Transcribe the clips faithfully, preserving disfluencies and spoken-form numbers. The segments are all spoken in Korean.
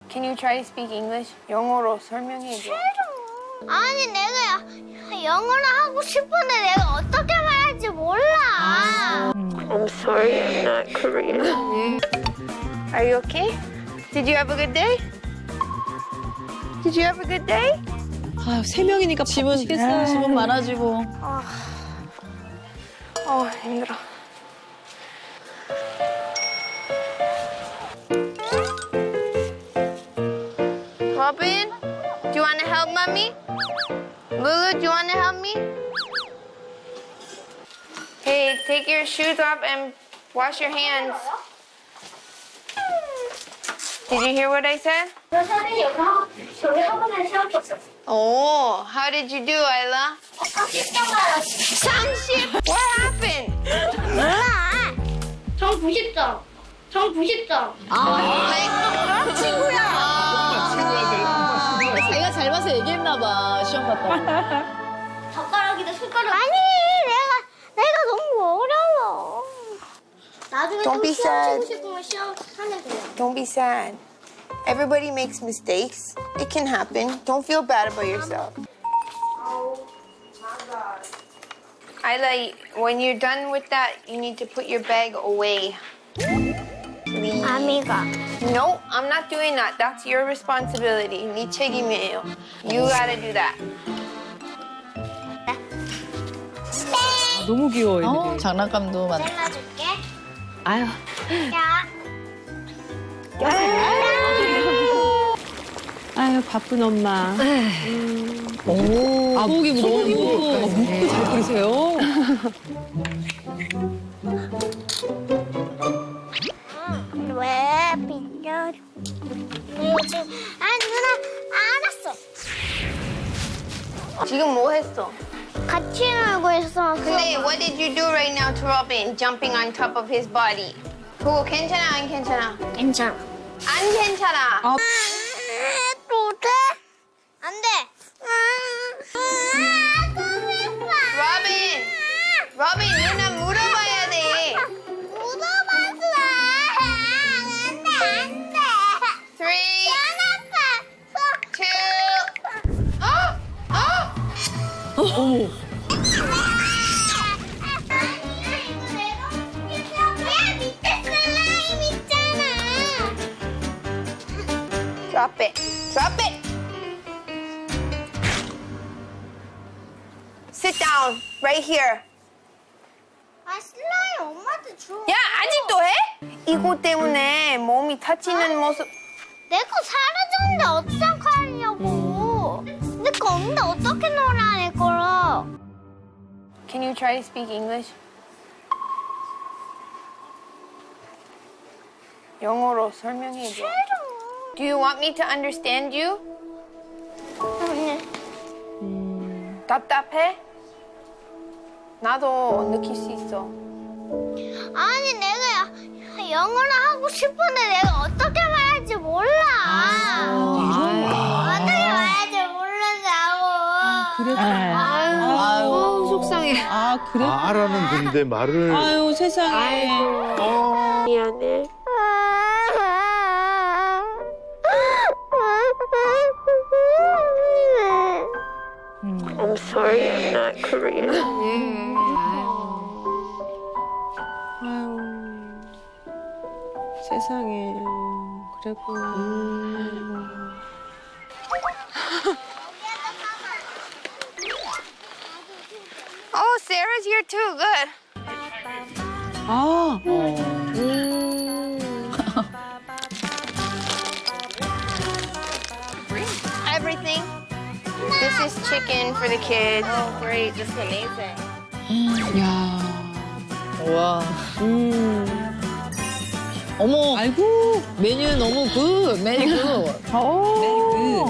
Can you try to speak English? 영어로 설명해줘. 아니 내가 영어를 하고 싶은데 내가 어떻게 말할지 몰라. I'm sorry, I'm not Korean. Are you okay? Did you have a good day? Did you have a good day? 아, 세 명이니까 집은 바쁘시겠어요. 집은 많아지고. 어, 힘들어. Robin, do you want to help mommy? Lulu, do you want to help me? Hey, take your shoes off and wash your hands. Did you hear what I said? 너 선생님 여기 저기 학원에 시험 줬어. Oh, how did you do, Isla? 삼십 점 받았어. 삼십? What happened? 몰라. 전 구십 점. 전 구십 점. Like, 친구야. 자기가 잘 봐서 얘기했나 봐. 시험 봤다고. 젓가락이다 손가락. 아니 내가 내가 너무 어려워. 나중에 Don't 또 be 시험 sad. 치고 싶으면 시험 하면 돼요. Don't be sad. Everybody makes mistakes. It can happen. Don't feel bad about yourself. Oh my god. Isla, when you're done with that, you need to put your bag away. Please. 아미가. No, I'm not doing that. That's your responsibility. 네 책임이에요. You gotta do that. 너무 귀여워, 애들이. 어, 장난감도 많아. 잘라줄게. 아유. 자. 아유, 바쁜 엄마. 오, 아, 소고기 소고기 묵고. 묵고 잘 끓이세요? 왜 빌려? 요즘 아 누나 알았어. 지금 뭐 했어? 같이 놀고 있어. 근데 what did you do right now to Robin? Jumping on top of his body. 그거 괜찮아, 안 괜찮아? 괜찮아. 안 괜찮아. 아. 또 돼? 안 돼. Robin! Robin, 누나 물어봐야 돼. 묻어봤어. 안 돼, 안 돼. Three, 안 two, 어? 어? 어머. 야, 밑에 슬라임 있잖아. Drop it. Drop it. Sit down right here. 아, 슬라임 엄마한테 줘. 야, 아직도 해? 이거 때문에 몸이 다치는 모습. 내 거 사라졌는데 어떡하냐고. 내 거 없는데 어떻게 놀아, 내 거로. Can you try to speak English? 영어로 설명해줘. Do you want me to understand you? 답답해? 나도 느낄 수 있어. 아니, 내가 영어를 하고 싶은데 내가 어떻게 말할지 몰라. 어떻게 말할지 모른다고. 그랬구나. 아유. 아유, 속상해. 아, 그래? 아, 알아는 근데 말을. 아유, 세상에. 어. 미안해. I'm sorry, I'm not Korean. 아유, 세상에. 그랬구나. Oh, Sarah's here too. Good. 아, Everything. This is chicken for the kids. Oh, great. This is amazing. 야. 와. 음. 어머, 아이고. 메뉴 너무 굿. 메뉴 굿. 오.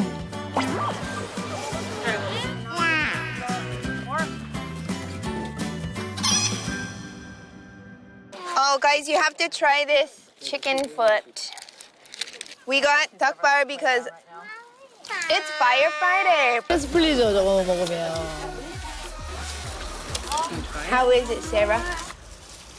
Oh, guys, you have to try this chicken foot. We got duck bar because it's firefighter. 스트레스 풀리죠, 저거 먹으면. How is it, Sarah?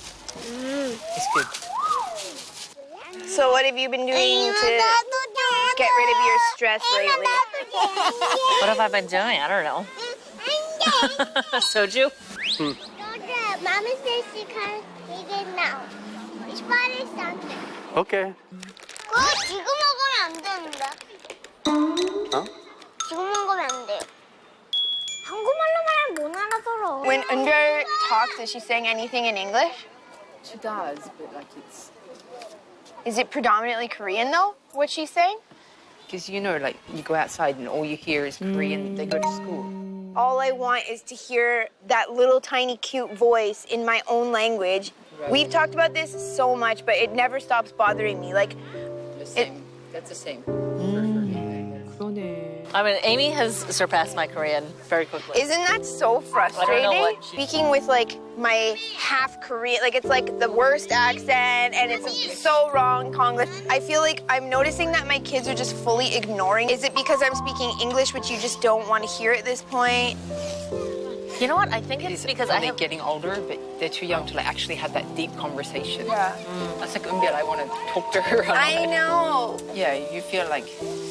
It's good. So what have you been doing to... 나도 좀 get rid of your stress lately? What have I been doing? I don't know. Soju? Mommy says she can't eat it now. It's Friday, Sunday. 오케이. 그거 지금 먹으면 안 되는데. 어? 지금 먹으면 안 돼요. 한국말로 말하면 못 알아들어. When Under talks, is she saying anything in English? She does, but like it's Is it predominantly Korean though? What she's saying? Because you know, like you go outside and all you hear is Korean. They go to school. All I want is to hear that little tiny cute voice in my own language. We've talked about this so much, but it never stops bothering me. Like, the same. That's the same. 그러네. I mean, Amy has surpassed my Korean very quickly. isn't that so frustrating? what she- Speaking with like my half Korean, like it's like the worst accent and it's so wrong Konglish. I feel like I'm noticing that my kids are just fully ignoring. Is it because I'm speaking English, which you just don't want to hear at this point? You know what? I think it's It's because I only have. getting older, but they're too young to like actually have that deep conversation. Yeah. That's like Umbiel. I want to talk to her. I know. Yeah, you feel like.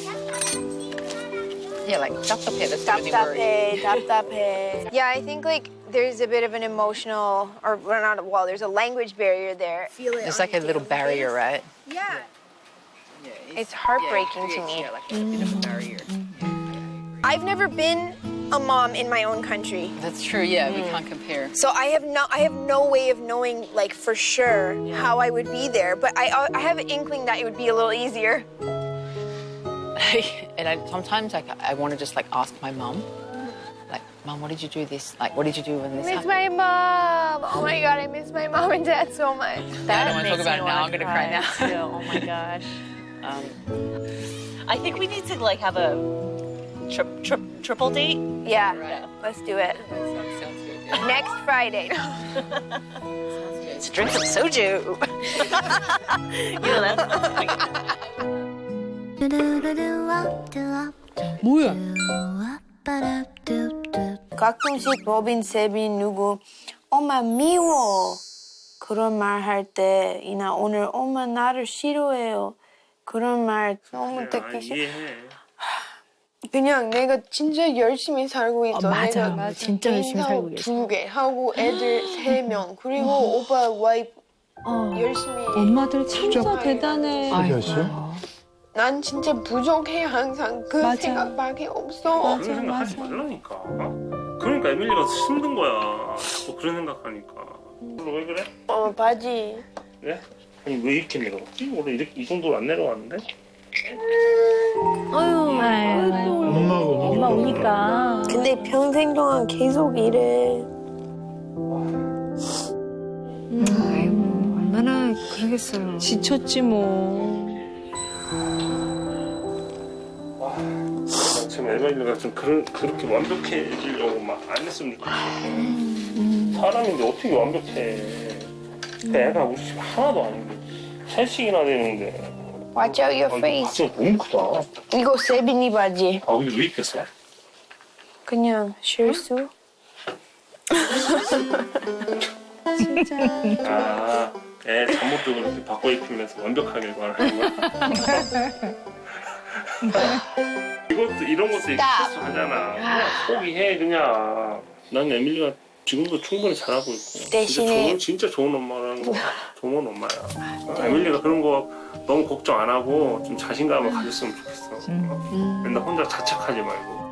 Yeah, like 답답해. That's really worrying. 답답해, 답답해. Yeah, I think like there's a bit of an emotional, or well, not well, there's a language barrier there. Feel it. There's like a little barrier, right? Yeah. Yeah, It's heartbreaking to creates, me. Yeah, like a bit of a barrier. I've never been a mom in my own country. That's true. Yeah, we can't compare. So I have no, I have no way of knowing, like for sure, how I would be there. But I, I have an inkling that it would be a little easier. And I, sometimes like I want to just like ask my mum, like, Mum, what did you do this? Like, what did you do when this I miss happened? my mom. Oh my god, I miss my mom and dad so much. I don't That want to talk makes about me it now. wanna I'm gonna cry now. too. Oh my gosh. Um, I think we need to like have a trip, trip, triple date. Yeah, Yeah. let's do it. Sounds, sounds good. Yeah. Next Friday. Let's drink some soju. you know that's. 뭐야? 가끔씩 로빈, 세빈, 누구 엄마 미워 그런 말 할 때 이나 오늘 엄마 나를 싫어해요 그런 말 너무 듣기 싫어. 그냥 내가 진짜 열심히 살고 있어. 어, 맞아. 내가 맞아. 진짜 열심히 개인 살고 사업 계셔. 두 개 하고 애들 세 명 그리고 오빠 와이프 어. 열심히. 엄마들 진짜 대단해. 세빈 씨? 난 진짜 부족해 항상 그 맞아. 생각밖에 없어. 맞아, 그런 생각 하지 맞아. 말라니까. 그러니까 에밀리가 힘든 거야. 자꾸 그런 생각하니까. 너 왜 그래? 어 바지. 그래? 아니 왜 이렇게 내려갔지? 원래 이렇게 이 정도로 안 내려왔는데? 엄마가 엄마 우니까. 근데 평생 동안 계속 이래. 얼마나 그러겠어요. 지쳤지 뭐. 나 지금 에밀리가 좀 그런, 그렇게 완벽해지려고 막 안 했으면 좋겠어. 사람인데 어떻게 완벽해. 근데 애가 우리 집 하나도 아닌데 셋씩이나 되는데. Watch out your 아, face. 바지가 너무 크다. 이거 세빈이 바지. 아 근데 왜 입혔어? 그냥 실수. 아, 애 잠옷도 그렇게 바꿔 입히면서 완벽하게 말하는 거야? 이것도 이런 것도 이렇게 Stop. 실수하잖아. 그냥 포기해 그냥. 난 에밀리가 지금도 충분히 잘하고 있고. 대신에- 진짜 좋은, 진짜 좋은 엄마라는 거. 좋은 엄마야. 어, 에밀리가 그런 거 너무 걱정 안 하고 좀 자신감을 가졌으면 좋겠어. 어? 맨날 혼자 자책하지 말고.